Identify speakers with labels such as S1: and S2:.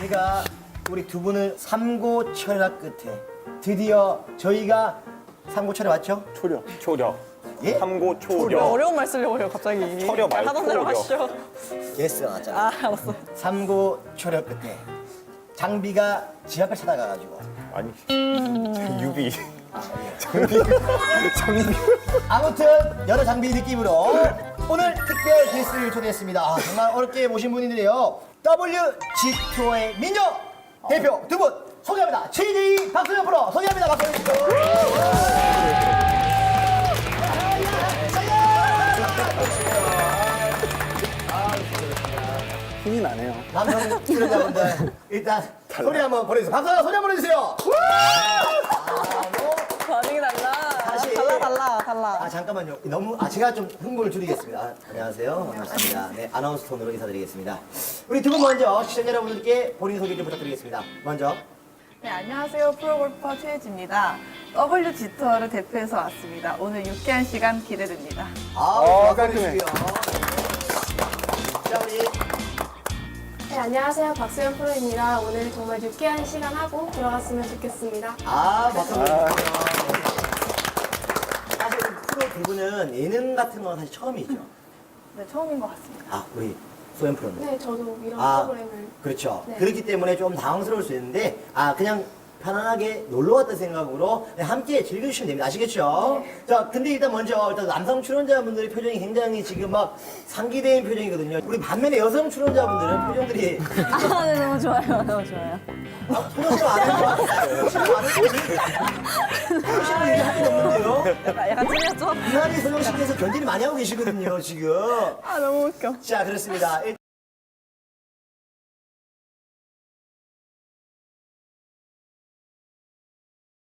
S1: 제가 우리 두 분을 삼고철학 끝에 드디어 저희가 삼고철에 왔죠?
S2: 초려.
S1: 예?
S2: 삼고 초려.
S3: 어려운 말 쓰려고 해요, 갑자기.
S2: 철여 말고
S3: 하던 대로
S2: 초려.
S3: 하시죠.
S1: 예스가 나왔잖아.
S3: 아, 알았어.
S1: 삼고철학 끝에 장비가 지 앞을 찾아가가지고
S2: 아니, 유비.
S1: 아무튼 여러 장비 느낌으로 오늘 특별 게스트를 초대했습니다. 정말 어렵게 모신 분인데요. WG투어의 민요 대표 두 분 소개합니다. GD 박소연 프로 소개합니다. 박소연 씨.
S4: 힘이 나네요.
S1: 남성 출연자분들 일단 소리 한번 보내주세요. 박소연 소리 한번 보내주세요.
S3: 반응이 달라.
S1: 다시.
S3: 달라.
S1: 아 잠깐만요. 너무 제가 좀 흥분을 줄이겠습니다. 안녕하세요. 반갑습니다. 네 아나운서 톤으로 인사드리겠습니다. 우리 두 분 먼저 시청자 여러분들께 본인 소개 좀 부탁드리겠습니다. 먼저
S5: 네, 안녕하세요. 프로골퍼 최혜지입니다. WG 투어를 대표해서 왔습니다. 오늘 유쾌한 시간 기대됩니다.
S4: 깔끔해.
S1: 자 우리
S6: 네, 안녕하세요. 박수현 프로입니다. 오늘 정말 유쾌한 시간 하고 들어갔으면 좋겠습니다.
S1: 박수 보내주세요. 사실 프로 두 분은 예능 같은 건 사실 처음이죠.
S5: 네, 처음인 것 같습니다.
S1: 우리 소연 프로는.
S6: 네, 저도 이런
S1: 아,
S6: 프로그램을
S1: 그렇죠.
S6: 네.
S1: 그렇기 때문에 좀 당황스러울 수 있는데, 그냥 편안하게 놀러 왔다는 생각으로 함께 즐겨주시면 됩니다. 아시겠죠? 자, 근데 일단 일단 남성 출연자분들의 표정이 굉장히 지금 막 상기된 표정이거든요. 우리 반면에 여성 출연자분들은 표정들이
S3: 아, 네, 너무 좋아요. 너무 좋아요.
S1: 소녀시로 안 해요. 소녀시로 안 해요. 소녀시로 얘기할 게 없는데요.
S3: 약간 찔렸죠?
S1: 이한이 소녀씨께서 견디를 많이 하고 계시거든요, 지금.
S3: 아, 너무 웃겨.
S1: 자, 그렇습니다.